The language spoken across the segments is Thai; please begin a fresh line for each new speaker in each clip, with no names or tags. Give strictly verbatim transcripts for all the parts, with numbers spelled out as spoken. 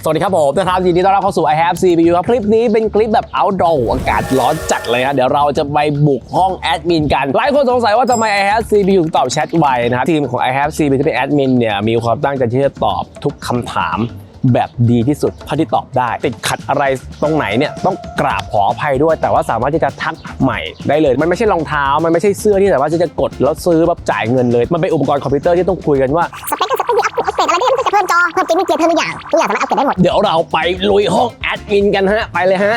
สวัสดีครับผมนะครับยินดีต้อนรับเข้าสู่ I have ซี พี ยู ครับคลิปนี้เป็นคลิปแบบ outdoor อากาศร้อนจัดเลยฮะเดี๋ยวเราจะไปบุกห้องแอดมินกันหลายคนสงสัยว่าทำไม I have ซี พี ยู ถึงตอบแชทไวนะครับทีมของ I have ซี พี ยู ที่เป็นแอดมินเนี่ยมีความตั้งใจที่จะตอบทุกคำถามแบบดีที่สุดเท่าที่ตอบได้ติดขัดอะไรตรงไหนเนี่ยต้องกราบขออภัยด้วยแต่ว่าสามารถที่จะทักใหม่ได้เลยมันไม่ใช่รองเท้ามันไม่ใช่เสื้อที่สามารถที่จะกดแล้วซื้อแบบจ่ายเงินเลยมันเป็นอุปกรณ์คอมพิวเตอร์ที่ต้องคุยกันว่า
สเปคก็สเปคดีอัพอัปเกรดอะไรได้มันก็จะเพิ่มจอเพิ่มเกมมิ่งเกียร์เพิ่มทุกอย่างทุกอย่างสามารถอัปเกรดได้หมด
เดี๋ยวเราไปลุยห้องแอดมินกันฮะไปเลยฮะ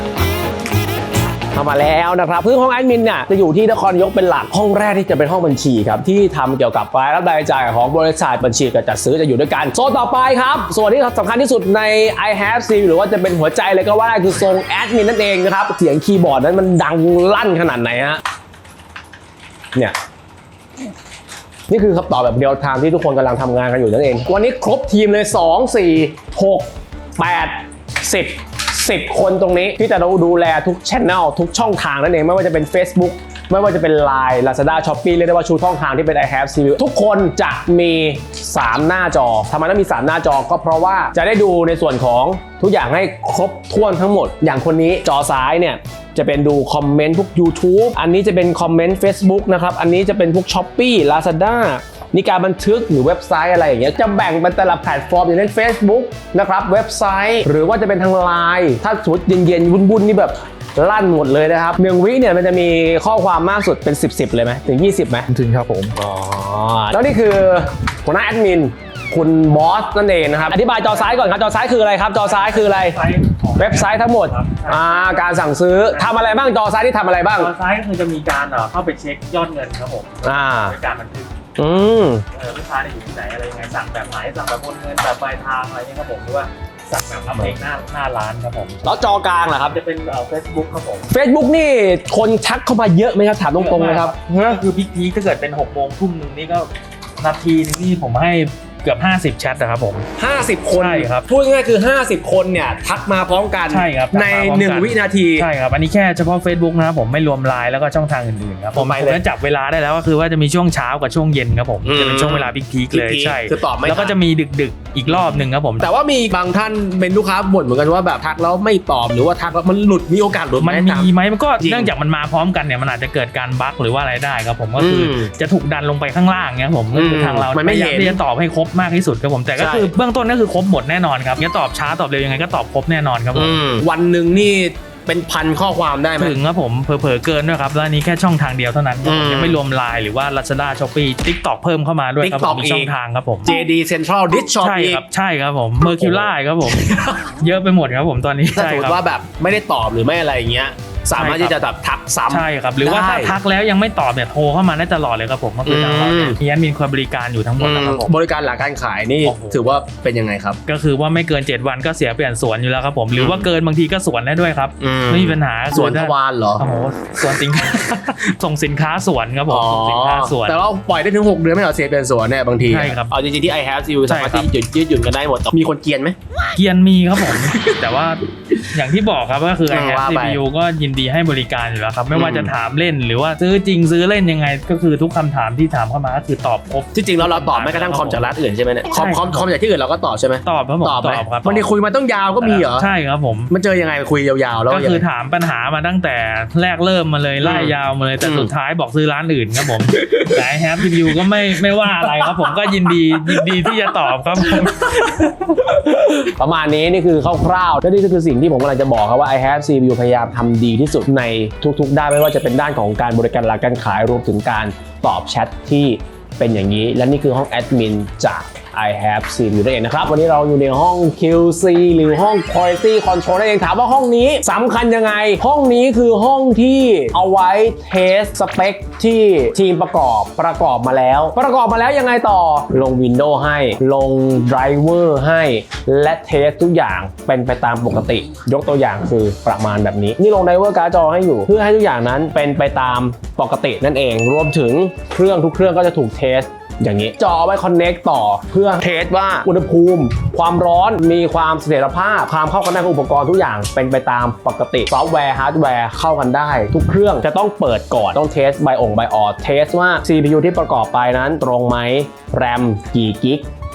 เข้ามาแล้วนะครับซึ่งห้องแอดมินเนี่ยจะอยู่ที่นครนายกเป็นหลักห้องแรกที่จะเป็นห้องบัญชีครับที่ทำเกี่ยวกับรายรับรายจ่ายของบริษัทบัญชีกับจัดซื้อจะอยู่ด้วยกันโซนต่อไปครับส่วนที่สำคัญที่สุดใน I have ซี หรือว่าจะเป็นหัวใจเลยก็ว่าคือทรงแอดมินนั่นเองนะครับเสียงคีย์บอร์ดนั้นมันดังลั่นขนาดไหนฮะเนี่ยนี่คือคำตอบแบบเรียลไทม์ที่ทุกคนกำลังทำงานกันอยู่นั่นเองวันนี้ครบทีมเลยสอง สี่ หก แปด สิบสิบคนตรงนี้ที่จะดูแลทุกช่องทุกช่องทางนั่นเองไม่ว่าจะเป็น Facebook ไม่ว่าจะเป็น ไลน์ Lazada Shopee เรียกได้ว่าชูช่องทางที่เป็น I have ซี พี ยู ทุกคนจะมีสามหน้าจอทำไมต้องมีสามหน้าจอก็เพราะว่าจะได้ดูในส่วนของทุกอย่างให้ครบถ้วนทั้งหมดอย่างคนนี้จอซ้ายเนี่ยจะเป็นดูคอมเมนต์พวก YouTube อันนี้จะเป็นคอมเมนต์ Facebook นะครับอันนี้จะเป็นพวก Shopee Lazadaนี่การบันทึกหรือเว็บไซต์อะไรอย่างเงี้ยจะแบ่งเป็นแต่ละแพลตฟอร์มอย่างเช่น Facebook นะครับเว็บไซต์หรือว่าจะเป็นทาง ไลน์ ถ้าสมมติเย็นๆวุ่นๆนี่แบบลั่นหมดเลยนะครับหนึ่งวิเนี่ยมันจะมีข้อความมากสุดเป็นสิบ สิบเลยไหมถึงยี่สิบไหม
ถึงครับผม
อ๋อแล้วนี่คือหัวหน้าแอดมินคุณบอสนั่นเองนะครับอธิบายจอซ้ายก่อนครับจอซ้ายคืออะไรครับจอซ้ายคืออะไรเว็บไซต์ทั้งหมดอ่าการสั่งซื้อทำอะไรบ้างจอซ้ายที่ทำอะไรบ้าง
จอซ้ายก็คือจะมีการเข้าไปเช็คยอดเงินครับผม
อ่า
การบันทึก
อืม
เออลูกค้าอยู่ที่ไหนอะไรยังไงสั่งแบบไหนสั่งแบบโอนเงินแบบปลายทางอะไรเงี้ยครับผมหรือว่าสั่งแบบรับเองหน้าหน้าร้านครับผม
แล้วจอกลางเหรอครับ
จะเป็นเอ่อ Facebook ครับผม
Facebook นี่คนทักเข้ามาเยอะไหมครับถามตรงๆเลยครับ
ก็คือพีคๆถ้าเกิดเป็นหกโมงทุ่มนึงนี่ก็นาทีนึงนี่ผมให้เกือบห้าสิบแชทนะครับผม
ห้าสิบคน
ใช่ครับ
พูดง่ายๆคือห้าสิบคนเนี่ยทักมาพร้อมกัน
ใช่ครับ
ในหนึ่งวินาที
ใช่ครับอันนี้แค่เฉพาะ Facebook นะครับผมไม่รวม ไลน์ แล้วก็ช่องทางอื่นๆครับผมผมจะจับเวลาได้แล้วก็คือว่าจะมีช่วงเช้ากับช่วงเย็นครับผมจะเป็นช่วงเวลาพีคๆเลยใช่
คือตอบไม่
แล้วก็จะมีดึกๆอีกรอบนึงครับผม
แต่ว่ามีบางท่านเป็นลูกค้าบ่นเหมือนกันว่าแบบทักแล้วไม่ตอบหรือว่าทักแล้วมันหลุดมีโอกาสหลุด
มันมีไหมมันก็เนื่องจากมันมาพร้อมกันเนี่ยมันอาจจะเกิดการบั๊กหรือว่าอะไรได้ครับผมก็คือจะถูกดันลงไปข้างล่างเนี่ยผมก็คือทางเราพยายามที่จะตอบให้ครบมากที่สุดครับผมแต่ก็คือเบื้องต้นก็คือครบหมดแน่นอนครับจะตอบช้าตอบเร็วยังไงก็ตอบครบแน่นอนครับผม
วันหนึ่งนี่เป็นพันข้อความได้ไหม
ถึงครับผมเผลอๆเกินด้วยครับแล้วนี้แค่ช่องทางเดียวเท่านั้นยังไม่รวม ไลน์ หรือว่า Lazada Shopee TikTok เพิ่มเข้ามาด้วยครับผมมีช่องทางครับผม
เจ ดี Central Dish Shop
ใช่ครับใช่ครับผม Mercury ครับผมเยอะไปหมดครับผมตอนนี้
ถ้าสมมติว่าแบบไม่ได้ตอบหรือไม่อะไรอย่างเงี้ยสามารถที่จะแบบทักซ้ำ
ใช่ครับหรือว่าถ้าทักแล้วยังไม่ตอบเนี่ยโทรเข้ามาได้ตลอดเลยครับผมก็คือทางเรามีแอดมินคอยบริการอยู่ทั้งหมดนะครับผม
บริการหลังการขายนี่ถือว่าเป็นยังไงครับ
ก็คือว่าไม่เกินเจ็ดวันก็เสียเปลี่ยนสวนอยู่แล้วครับผมหรือว่าเกินบางทีก็สวนได้ด้วยครับไม่มีปัญหา
สวนทวารเหรอ
โอ้โหสวนสินค้าส่งสินค้าสวนครับผมสินค้าสวน
แต่ว่าปล่อยได้ถึงหกเดือนไม่เหรอเสียเปลี่ยนสวนเนี่ยบางที
ใช่ครับ
เอาจริงๆที่ I have ซี พี ยู สามารถที่ยืดยืดหยุ่นกันได้หมดมีคนเกียนไหม
เกียนมีครับผมแต่ว่าอย่างที่บอกครับก็คือ I have ซี พี ยู ก็ยินดีให้บริการอยู่แล้วครับไม่ว่าจะถามเล่นหรือว่าซื้อจริงซื้อเล่นยังไงก็คือทุกคำถามที่ถามเข้ามาก็คือตอบครบ
ที่จริงแล้วเราตอบไม่กระทั่งคอมจากร้านอื่นใช่ไหมเนี่ยคอมคอมคอมจากที่อื่นเราก็ตอบใช่ไหม
ตอบครับผม
ตอบครับวันนี้คุยมาต้องยาวก็มีเหรอ
ใช่ครับผม
มันเจอยังไงคุยยาวๆแล้ว
ก็คือถามปัญหามาตั้งแต่แรกเริ่มมาเลยไล่ยาวมาเลยแต่สุดท้ายบอกซื้อร้านอื่นครับผมแต่ I have ซี พี ยู ก็ไม่ไม่ว่าอะไรครับผมก็ยินดียินดีที่จะตอบครับผม
ประมาณนี้นี่คือคร่าวๆและนี่คือสิ่งที่ผมกำลังจะบอกครับว่า I have ซี พี ยู พยายามทำดีที่สุดในทุกๆด้านไม่ว่าจะเป็นด้านของการบริการหลังการขายรวมถึงการตอบแชทที่เป็นอย่างนี้และนี่คือห้องแอดมินจาก I have ซี พี ยู นั่นเองนะครับวันนี้เราอยู่ในห้อง คิว ซี หรือห้อง Quality Control นั่นเองถามว่าห้องนี้สำคัญยังไงห้องนี้คือห้องที่เอาไว้เทสสเปคที่ทีมประกอบประกอบมาแล้วประกอบมาแล้วยังไงต่อลง Windows ให้ลง Driver ให้และเทสทุกอย่างเป็นไปตามปกติยกตัวอย่างคือประมาณแบบนี้นี่ลง Driver การ์ดจอให้อยู่เพื่อให้ทุกอย่างนั้นเป็นไปตามปกตินั่นเองรวมถึงเครื่องทุกเครื่องก็จะถูกเทสอย่างนี้จอไว้ Connect ต่อเพื่อเทสว่าอุณหภูมิความร้อนมีความเสถียรภาพความเข้ากันได้ของอุปกรณ์ทุกอย่างเป็นไปตามปกติซอฟต์แวร์ฮาร์ดแวร์เข้ากันได้ทุกเครื่องจะต้องเปิดก่อนต้องเทสไบองไบออดเทสว่า ซี พี ยู ที่ประกอบไปนั้นตรงไหมแรมกี่กิก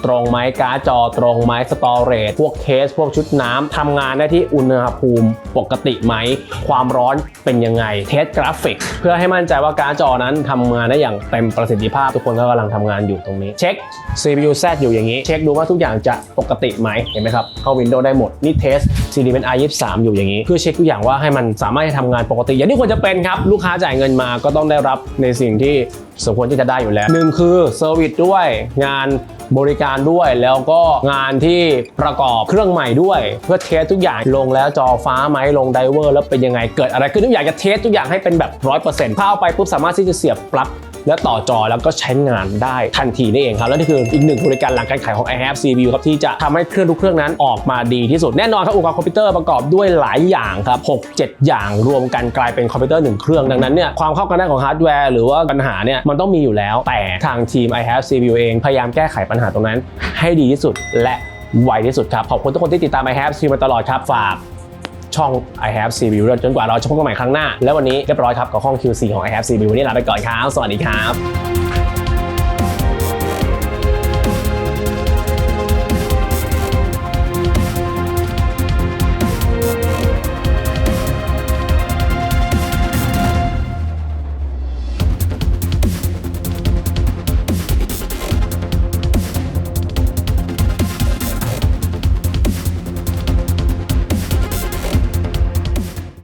ตรงไหมการ์ดจอตรงไหมสตอเรจพวกเคสพวกชุดน้ำทำงานได้ที่อุณหภูมิปกติไหมความร้อนเป็นยังไงเทสกราฟิกเพื่อให้มั่นใจว่าการ์ดจอนั้นทำงานได้อย่างเต็มประสิทธิภาพทุกคนก็กำลังทำงานอยู่ตรงนี้เช็ค ซี พี ยู แซด อยู่อย่างนี้เช็คดูว่าทุกอย่างจะปกติไหมเห็นไหมครับเข้า Windows ได้หมดนี่เทส ซี ดี เอ็น ไอ ยี่สิบสาม อยู่อย่างนี้เพื่อเช็คทุกอย่างว่าให้มันสามารถทำงานปกติอย่างที่ควรจะเป็นครับลูกค้าจ่ายเงินมาก็ต้องได้รับในสิ่งที่สมควรที่จะได้อยู่แล้วหนึ่งคือเซอร์วิสด้วยงานบริการด้วยแล้วก็งานที่ประกอบเครื่องใหม่ด้วยเพื่อเทสทุกอย่างลงแล้วจอฟ้าไหมลงไดเวอร์แล้วเป็นยังไงเกิดอะไรขึ้นทุกอย่างจะเทสทุกอย่างให้เป็นแบบ ร้อยเปอร์เซ็นต์ ถ้าเอาไปปุ๊บสามารถที่จะเสียบปลั๊กและต่อจอแล้วก็ใช้งานได้ทันทีนี่เองครับและนี่คืออีกหนึ่งบริการหลังการขายของ I have ซี พี ยู ครับที่จะทำให้เครื่องทุกเครื่องนั้นออกมาดีที่สุดแน่นอนครับอุปกรณ์คอมพิวเตอร์ประกอบด้วยหลายอย่างครับ หกเจ็ด อย่างรวมกันกลายเป็นคอมพิวเตอร์หนึ่งเครื่องดังนั้นเนี่ยความเข้ากันได้ของฮาร์ดแวร์หรือว่าปัญหาเนี่ยมันต้องมีอยู่แล้วแต่ทางทีม I have ซี พี ยู เองพยายามแก้ไขปัญหาตรงนั้นให้ดีที่สุดและไวที่สุดครับขอบคุณทุกคนที่ติดตาม I have ซี พี ยู มาตลอดครับฝากช่อง I have ซี พี ยู จนกว่าเราจะพบกันใหม่ครั้งหน้าและวันนี้เรียบร้อยครับกับห้อง คิว ซี ของ I have ซี พี ยู วันนี้ลาไปก่อนครับสวัสดีครับ